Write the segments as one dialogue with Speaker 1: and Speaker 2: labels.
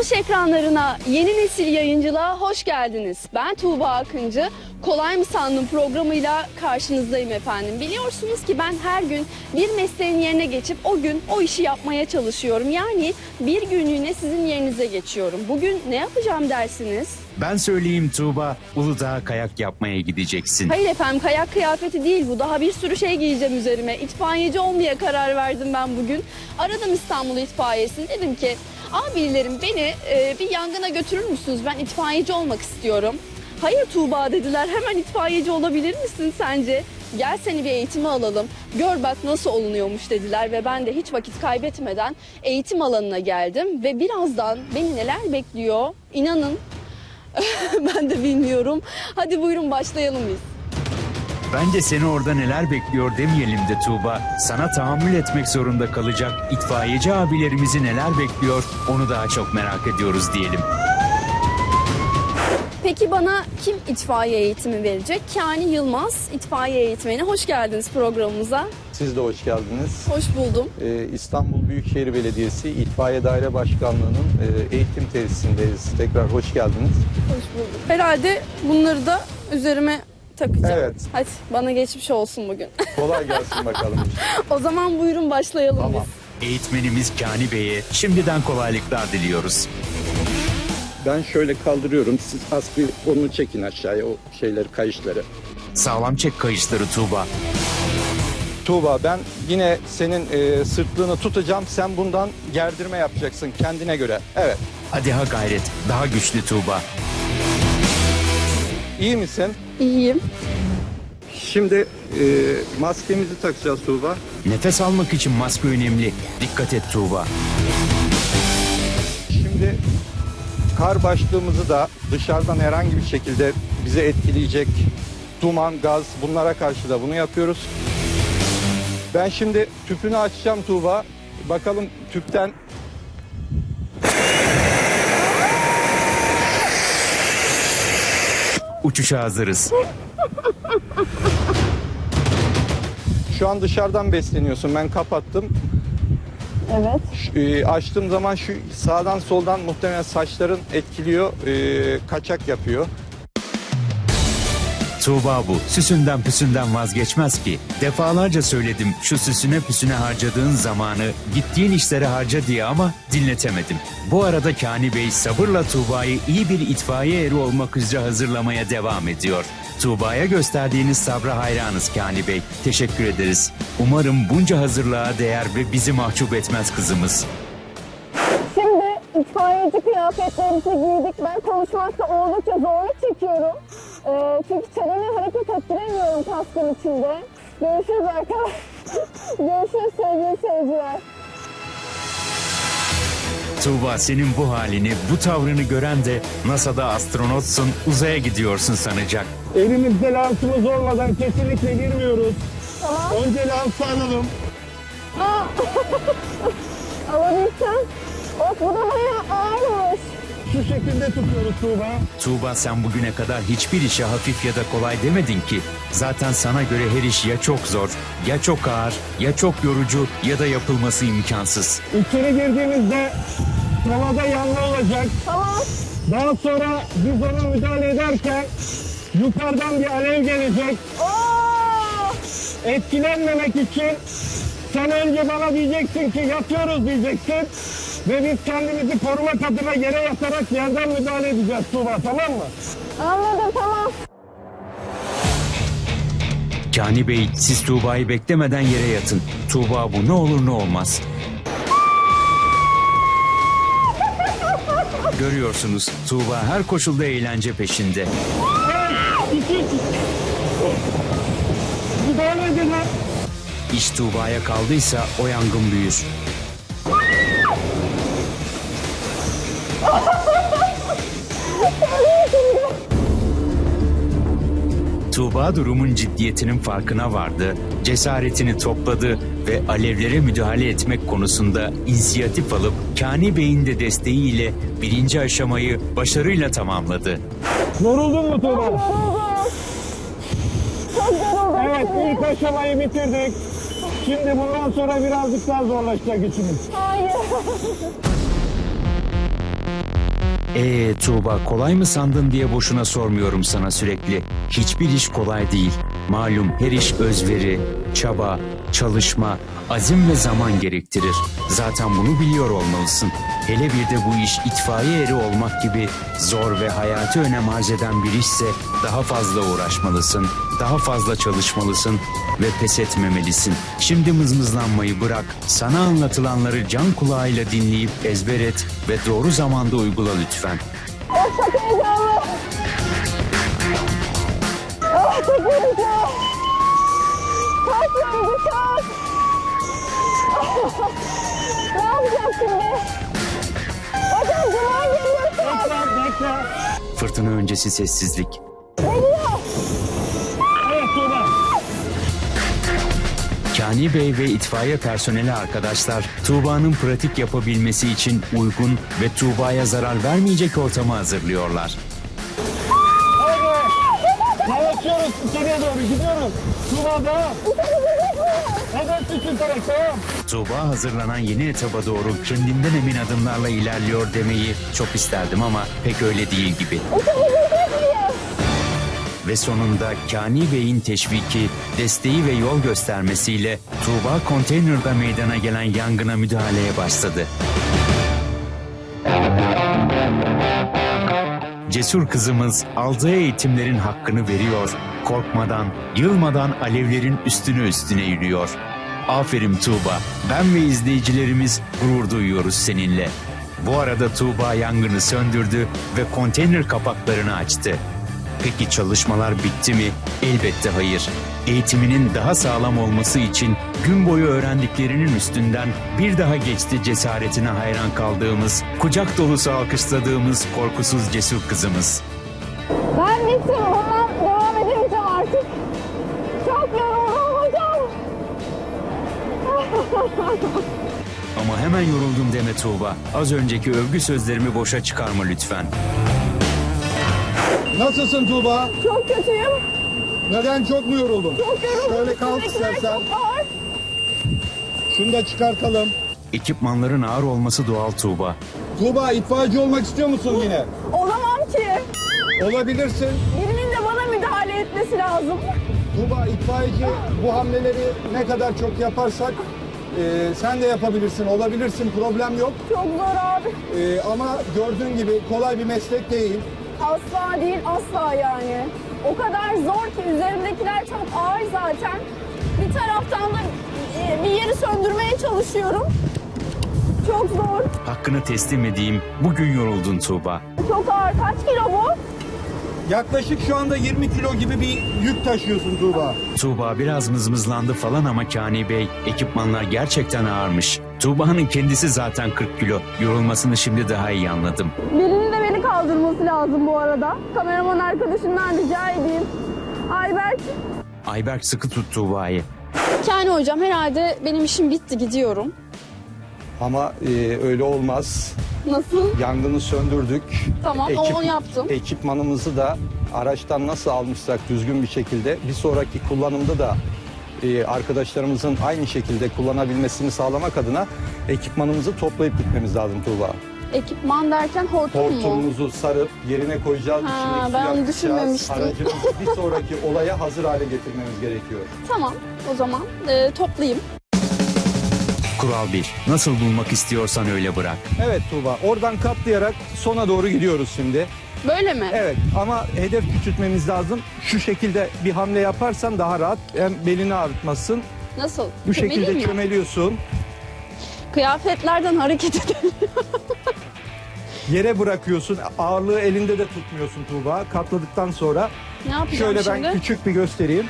Speaker 1: Tuş ekranlarına, yeni nesil yayıncılığa hoş geldiniz. Ben Tuğba Akıncı. Kolay mı sandın programıyla karşınızdayım efendim. Biliyorsunuz ki ben her gün bir mesleğin yerine geçip o gün o işi yapmaya çalışıyorum. Yani bir günlüğüne sizin yerinize geçiyorum. Bugün ne yapacağım dersiniz?
Speaker 2: Ben söyleyeyim Tuğba, Uludağ'a kayak yapmaya gideceksin.
Speaker 1: Hayır efendim, kayak kıyafeti değil bu. Daha bir sürü şey giyeceğim üzerime. İtfaiyeci olmaya karar verdim ben bugün. Aradım İstanbul İtfaiyesi'ni. Dedim ki abilerim beni bir yangına götürür müsünüz? Ben itfaiyeci olmak istiyorum. Hayır Tuğba dediler. Hemen itfaiyeci olabilir misin sence? Gel seni bir eğitime alalım. Gör bak nasıl olunuyormuş dediler ve ben de hiç vakit kaybetmeden eğitim alanına geldim. Ve birazdan beni neler bekliyor? İnanın ben de bilmiyorum. Hadi buyurun başlayalım biz.
Speaker 2: Bence seni orada neler bekliyor demeyelim de Tuğba. Sana tahammül etmek zorunda kalacak itfaiyeci abilerimizi neler bekliyor onu daha çok merak ediyoruz diyelim.
Speaker 1: Peki bana kim itfaiye eğitimi verecek? Kani Yılmaz, itfaiye eğitmeni. Hoş geldiniz programımıza.
Speaker 3: Siz de hoş geldiniz.
Speaker 1: Hoş buldum.
Speaker 3: İstanbul Büyükşehir Belediyesi İtfaiye Daire Başkanlığı'nın eğitim tesisindeyiz. Tekrar hoş geldiniz.
Speaker 1: Hoş bulduk. Herhalde bunları da üzerime takacağım.
Speaker 3: Evet.
Speaker 1: Hadi bana geçmiş olsun bugün.
Speaker 3: Kolay gelsin bakalım.
Speaker 1: O zaman buyurun başlayalım
Speaker 3: Tamam.
Speaker 1: biz.
Speaker 2: Eğitmenimiz Kani Bey'e şimdiden kolaylıklar diliyoruz.
Speaker 3: Ben şöyle kaldırıyorum. Siz az bir onu çekin aşağıya, o şeyleri, kayışları.
Speaker 2: Sağlam çek kayışları Tuğba.
Speaker 3: Tuğba, ben yine senin sırtlığını tutacağım. Sen bundan gerdirme yapacaksın kendine göre. Evet.
Speaker 2: Hadi ha gayret, daha güçlü Tuğba.
Speaker 3: İyi misin?
Speaker 1: İyiyim.
Speaker 3: Şimdi maskemizi takacağız Tuğba.
Speaker 2: Nefes almak için maske önemli. Dikkat et Tuğba.
Speaker 3: Şimdi kar başlığımızı da dışarıdan herhangi bir şekilde bize etkileyecek duman, gaz, bunlara karşı da bunu yapıyoruz. Ben şimdi tüpünü açacağım Tuğba. Bakalım tüpten...
Speaker 2: Uçuşa hazırız.
Speaker 3: Şu an dışarıdan besleniyorsun. Ben kapattım.
Speaker 1: Evet.
Speaker 3: Açtığım zaman şu sağdan soldan muhtemelen saçların etkiliyor, kaçak yapıyor.
Speaker 2: Tuğba bu. Süsünden püsünden vazgeçmez ki. Defalarca söyledim şu süsüne püsüne harcadığın zamanı gittiğin işlere harca diye ama dinletemedim. Bu arada Kani Bey sabırla Tuğba'yı iyi bir itfaiye eri olmak üzere hazırlamaya devam ediyor. Tuğba'ya gösterdiğiniz sabra hayranız Kani Bey. Teşekkür ederiz. Umarım bunca hazırlığa değer ve bizi mahcup etmez kızımız.
Speaker 1: Şimdi itfaiyeci kıyafetlerimizi giydik. Ben konuşmakta oldukça zorluk çekiyorum. Çünkü çenemi hareket ettiremiyorum kaskın içinde. Görüşürüz arkadaşlar. Görüşürüz sevgili seyirciler.
Speaker 2: Tuğba senin bu halini, bu tavrını gören de NASA'da astronotsun, uzaya gidiyorsun sanacak.
Speaker 4: Elimizde lansımız olmadan kesinlikle girmiyoruz.
Speaker 1: Tamam.
Speaker 4: Önce lansı alalım.
Speaker 1: Alabilsem. Of bu da bayağı ağırmış.
Speaker 4: Şu şekilde tutuyoruz Tuğba.
Speaker 2: Tuğba sen bugüne kadar hiçbir işe hafif ya da kolay demedin ki. Zaten sana göre her iş ya çok zor, ya çok ağır, ya çok yorucu ya da yapılması imkansız.
Speaker 4: İçeri girdiğimizde havada yanma olacak.
Speaker 1: Tamam.
Speaker 4: Daha sonra biz ona müdahale ederken yukarıdan bir alev gelecek.
Speaker 1: Oo!
Speaker 4: Etkilenmemek için sen önce bana diyeceksin ki yatıyoruz diyeceksin. Ve biz kendimizi korumak adına yere yatarak yerden müdahale edeceğiz Tuğba, tamam mı?
Speaker 1: Anladım, tamam.
Speaker 2: Kani Bey siz Tuğba'yı beklemeden yere yatın. Tuğba bu ne olur ne olmaz. Görüyorsunuz Tuğba her koşulda eğlence peşinde.
Speaker 4: Müdahale edin lan.
Speaker 2: İş Tuğba'ya kaldıysa o yangın büyür. Tuğba durumun ciddiyetinin farkına vardı, cesaretini topladı ve alevlere müdahale etmek konusunda inisiyatif alıp Kani Bey'in de desteğiyle birinci aşamayı başarıyla tamamladı.
Speaker 4: Yoruldun mu Tuğba?
Speaker 1: Çok yoruldum.
Speaker 4: Evet, ilk aşamayı bitirdik. Şimdi bundan sonra birazcık daha zorlaşacak işimiz.
Speaker 1: Hayır.
Speaker 2: Tuğba, kolay mı sandın diye boşuna sormuyorum sana sürekli. Hiçbir iş kolay değil. Malum her iş özveri, çaba, çalışma, azim ve zaman gerektirir. Zaten bunu biliyor olmalısın. Hele bir de bu iş itfaiye eri olmak gibi zor ve hayati önem arz eden bir işse daha fazla uğraşmalısın, daha fazla çalışmalısın ve pes etmemelisin. Şimdi mızmızlanmayı bırak, sana anlatılanları can kulağıyla dinleyip ezber et ve doğru zamanda uygula lütfen.
Speaker 1: Çok heyecanlı. Çok heyecanlı. Çok yorucu, çok. Ne yapacağız şimdi? Hocam duman geliyor şu an.
Speaker 4: Bekle.
Speaker 2: Fırtına öncesi sessizlik.
Speaker 1: Geliyor.
Speaker 4: Evet Tuğba.
Speaker 2: Kani Bey ve itfaiye personeli arkadaşlar Tuğba'nın pratik yapabilmesi için uygun ve Tuğba'ya zarar vermeyecek ortamı hazırlıyorlar.
Speaker 4: Evet. Yavaşlıyoruz. İçeriye doğru gidiyoruz. Tuğba devam. Evet için taraf devam.
Speaker 2: Tuğba hazırlanan yeni etaba doğru kendinden emin adımlarla ilerliyor demeyi çok isterdim ama pek öyle değil gibi. Ve sonunda Kani Bey'in teşviki, desteği ve yol göstermesiyle Tuğba konteynerda meydana gelen yangına müdahaleye başladı. Cesur kızımız aldığı eğitimlerin hakkını veriyor, korkmadan, yılmadan alevlerin üstüne yürüyor. Aferin Tuğba, ben ve izleyicilerimiz gurur duyuyoruz seninle. Bu arada Tuğba yangını söndürdü ve konteyner kapaklarını açtı. Peki çalışmalar bitti mi? Elbette hayır. Eğitiminin daha sağlam olması için gün boyu öğrendiklerinin üstünden bir daha geçti cesaretine hayran kaldığımız, kucak dolusu alkışladığımız korkusuz cesur kızımız.
Speaker 1: Ben bittim. Hemen devam edemeyeceğim artık. Çok yoruldum hocam.
Speaker 2: Ama hemen yoruldum deme Tuğba. Az önceki övgü sözlerimi boşa çıkarma lütfen.
Speaker 3: Nasılsın Tuğba?
Speaker 1: Çok kötüyüm.
Speaker 3: Neden, çok mu yoruldun?
Speaker 1: Çok yoruldum.
Speaker 3: Şöyle kalk
Speaker 1: Üstündekiler
Speaker 3: istersen.
Speaker 1: çok ağır.
Speaker 3: Şunu da çıkartalım.
Speaker 2: Ekipmanların ağır olması doğal Tuğba.
Speaker 3: Tuğba, itfaiyeci olmak istiyor musun yine?
Speaker 1: Olamam ki.
Speaker 3: Olabilirsin.
Speaker 1: Birinin de bana müdahale etmesi lazım.
Speaker 3: Tuğba, itfaiyeci bu hamleleri ne kadar çok yaparsak sen de yapabilirsin, olabilirsin, problem yok.
Speaker 1: Çok zor abi.
Speaker 3: Ama gördüğün gibi kolay bir meslek değil.
Speaker 1: Asla değil, asla yani. O kadar zor ki üzerimdekiler çok ağır zaten. Bir taraftan da bir yeri söndürmeye çalışıyorum. Çok zor.
Speaker 2: Hakkını teslim edeyim, bugün yoruldun Tuğba.
Speaker 1: Çok ağır. Kaç kilo bu?
Speaker 3: Yaklaşık şu anda 20 kilo gibi bir yük taşıyorsun Tuğba.
Speaker 2: Tuğba biraz mızmızlandı falan ama Kani Bey, ekipmanlar gerçekten ağırmış. Tuğba'nın kendisi zaten 40 kilo. Yorulmasını şimdi daha iyi anladım.
Speaker 1: Birinin de beni kaldırması lazım bu arada. Kameraman arkadaşımdan rica edeyim. Ayberk.
Speaker 2: Ayberk sıkı tut Tuğba'yı.
Speaker 1: Kani hocam herhalde benim işim bitti, gidiyorum.
Speaker 3: Ama öyle olmaz.
Speaker 1: Nasıl?
Speaker 3: Yangını söndürdük.
Speaker 1: Tamam, onu yaptım.
Speaker 3: Ekipmanımızı da araçtan nasıl almışsak düzgün bir şekilde bir sonraki kullanımda da arkadaşlarımızın aynı şekilde kullanabilmesini sağlamak adına ekipmanımızı toplayıp gitmemiz lazım Tuğba.
Speaker 1: Ekipman derken hortum mu?
Speaker 3: Hortumumuzu sarıp yerine koyacağız.
Speaker 1: Ha,
Speaker 3: içindeki
Speaker 1: ben
Speaker 3: suyu
Speaker 1: onu
Speaker 3: akıtacağız.
Speaker 1: düşünmemiştim.
Speaker 3: Aracımızı bir sonraki olaya hazır hale getirmemiz gerekiyor.
Speaker 1: Tamam, o zaman toplayayım.
Speaker 2: Kural 1. Nasıl bulmak istiyorsan öyle bırak.
Speaker 3: Evet Tuğba, oradan katlayarak sona doğru gidiyoruz şimdi.
Speaker 1: Böyle mi?
Speaker 3: Evet, ama hedef küçültmemiz lazım. Şu şekilde bir hamle yaparsan daha rahat, hem belini ağrıtmasın.
Speaker 1: Nasıl?
Speaker 3: Bu
Speaker 1: Çömeleyim
Speaker 3: şekilde
Speaker 1: mi?
Speaker 3: çömeliyorsun.
Speaker 1: Kıyafetlerden hareket edelim.
Speaker 3: Yere bırakıyorsun. Ağırlığı elinde de tutmuyorsun Tuğba. Katladıktan sonra
Speaker 1: Ne yapacağım
Speaker 3: şöyle
Speaker 1: şimdi?
Speaker 3: ben küçük bir göstereyim.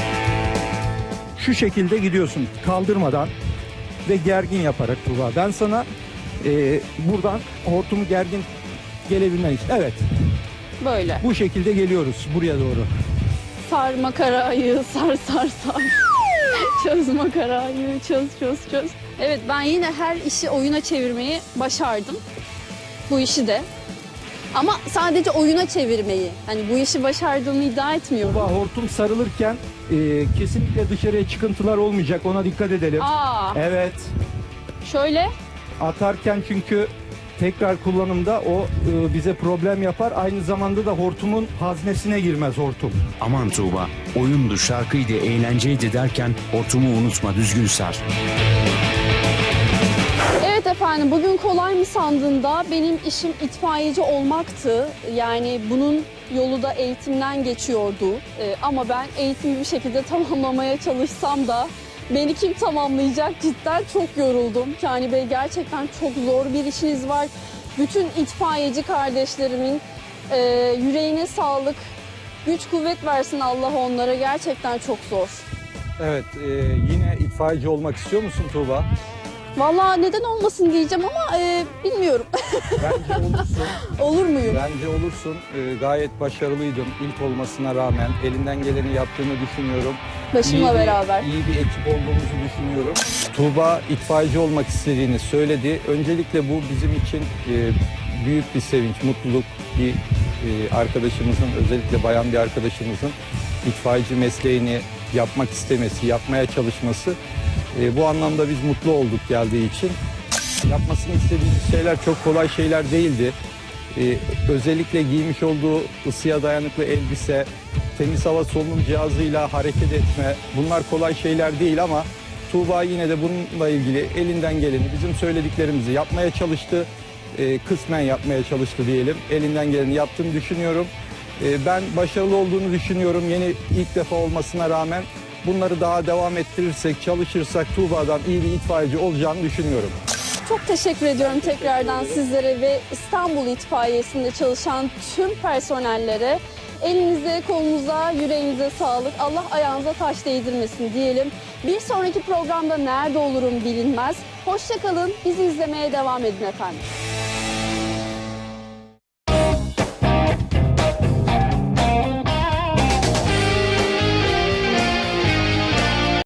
Speaker 3: Şu şekilde gidiyorsun kaldırmadan ve gergin yaparak Tuğba. Ben sana buradan hortumu gergin gelebilmen için. Evet,
Speaker 1: Böyle.
Speaker 3: bu şekilde geliyoruz buraya doğru.
Speaker 1: Sar makarayı, sar. Çöz makarayı, çöz. Evet, ben yine her işi oyuna çevirmeyi başardım. Bu işi de. Ama sadece oyuna çevirmeyi. Hani bu işi başardığımı iddia etmiyorum.
Speaker 3: Tuğba, hortum sarılırken kesinlikle dışarıya çıkıntılar olmayacak. Ona dikkat edelim.
Speaker 1: Aa,
Speaker 3: Evet.
Speaker 1: şöyle.
Speaker 3: Atarken çünkü tekrar kullanımda o bize problem yapar. Aynı zamanda da hortumun haznesine girmez hortum.
Speaker 2: Aman Tuğba, oyundu, şarkıydı, eğlenceydi derken hortumu unutma, düzgün sar.
Speaker 1: Evet efendim, bugün kolay mı sandığında benim işim itfaiyeci olmaktı. Yani bunun yolu da eğitimden geçiyordu. Ama ben eğitimi bir şekilde tamamlamaya çalışsam da beni kim tamamlayacak, cidden çok yoruldum. Kani Bey, gerçekten çok zor bir işiniz var. Bütün itfaiyeci kardeşlerimin yüreğine sağlık, güç kuvvet versin Allah onlara, gerçekten çok zor.
Speaker 3: Evet, yine itfaiyeci olmak istiyor musun Tuğba?
Speaker 1: Vallahi neden olmasın diyeceğim ama bilmiyorum.
Speaker 3: Bence olursun.
Speaker 1: Olur muyum?
Speaker 3: Bence olursun. Gayet başarılıydın ilk olmasına rağmen. Elinden geleni yaptığını düşünüyorum.
Speaker 1: Başımla beraber.
Speaker 3: İyi bir ekip olduğumuzu düşünüyorum. Tuğba itfaiyeci olmak istediğini söyledi. Öncelikle bu bizim için büyük bir sevinç, mutluluk. Bir arkadaşımızın, özellikle bayan bir arkadaşımızın itfaiyeci mesleğini yapmak istemesi, yapmaya çalışması. Bu anlamda biz mutlu olduk geldiği için. Yapmasını istediğimiz şeyler çok kolay şeyler değildi. Özellikle giymiş olduğu ısıya dayanıklı elbise, temiz hava solunum cihazıyla hareket etme, bunlar kolay şeyler değil ama Tuğba yine de bununla ilgili elinden geleni, bizim söylediklerimizi yapmaya çalıştı. Kısmen yapmaya çalıştı diyelim. Elinden geleni yaptığını düşünüyorum. Ben başarılı olduğunu düşünüyorum. Yeni ilk defa olmasına rağmen bunları daha devam ettirirsek, çalışırsak Tuğba'dan iyi bir itfaiyeci olacağını düşünüyorum.
Speaker 1: Çok teşekkür ediyorum tekrardan sizlere ve İstanbul İtfaiyesi'nde çalışan tüm personellere. Elinize, kolunuza, yüreğinize sağlık. Allah ayağınıza taş değdirmesin diyelim. Bir sonraki programda nerede olurum bilinmez. Hoşça kalın, bizi izlemeye devam edin efendim.